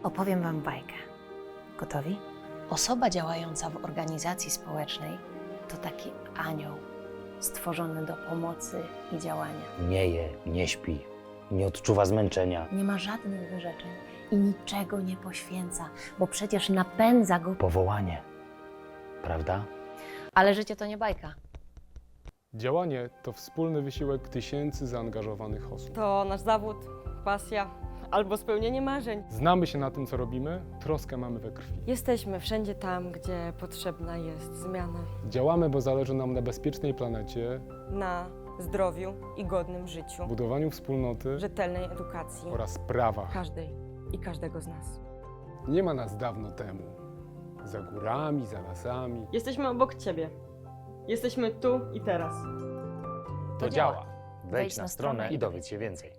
Opowiem wam bajkę. Gotowi? Osoba działająca w organizacji społecznej to taki anioł stworzony do pomocy i działania. Nie je, nie śpi, nie odczuwa zmęczenia. Nie ma żadnych wyrzeczeń i niczego nie poświęca, bo przecież napędza go. Powołanie, prawda? Ale życie to nie bajka. Działanie to wspólny wysiłek tysięcy zaangażowanych osób. To nasz zawód, pasja albo spełnienie marzeń. Znamy się na tym, co robimy, troskę mamy we krwi. Jesteśmy wszędzie tam, gdzie potrzebna jest zmiana. Działamy, bo zależy nam na bezpiecznej planecie, Na zdrowiu i godnym życiu, budowaniu wspólnoty rzetelnej edukacji oraz prawach. każdej i każdego z nas. Nie ma nas dawno temu. Za górami, za lasami. Jesteśmy obok Ciebie. Jesteśmy tu i teraz. To działa. Wejdź na stronę i dowiedz się więcej.